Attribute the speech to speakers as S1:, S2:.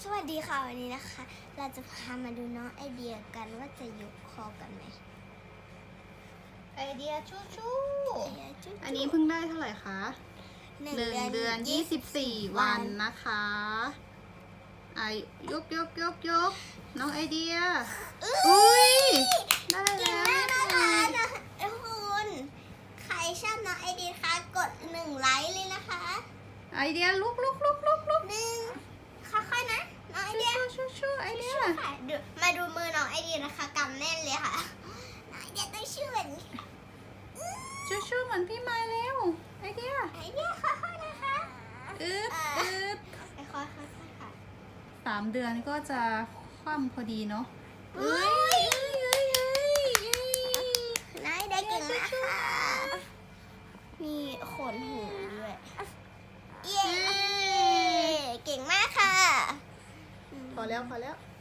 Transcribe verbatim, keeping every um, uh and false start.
S1: สวัสดีค่ะวันนี้นะคะ เราจะพามาดูน้องไอเดียกันว่าจะยกคอกันไหม
S2: ไอเดียชู้ชู้
S1: ไอเดียจุ๊บ
S2: อันนี้เพิ่งได้เท่าไหร่คะหนึ่งเดือนยี่สิบสี่วันนะคะอายกยกยกยกน้องไอเดียอุ้ยได้
S1: เก่ง
S2: แล้ว
S1: มากนะคะนะคุณใครชอบน้องไอเดียคะกดหนึ่งไลค์เลยนะคะ
S2: ไอเดียลุกลุกลุกลุกลุก
S1: หนึ่งค่อยๆนะน้องไอเดีย
S2: ชู้ชู้ไอเดีย
S1: ค่ะดูมาดูมือน้องไอเดียนะคะกำแน่นเลยค่ะน้องไอเดียต้องชื่อแบบนี้ค่ะ
S2: ชู้ชู้เหมือนพี่ไม้แล้วไอเดีย
S1: ไอเดียค่อยๆนะคะ
S2: อึ๊บอึ๊บ
S1: ค่อยๆค่อยๆค่ะ
S2: สามเดือนก็จะคว่ำพอดีเนาะ
S1: เอ้ยนายได้เก่งมากค่ะ มีขนหูด้วย เย้ เก่งมากค่ะ
S2: พอแล้วพอแล้ว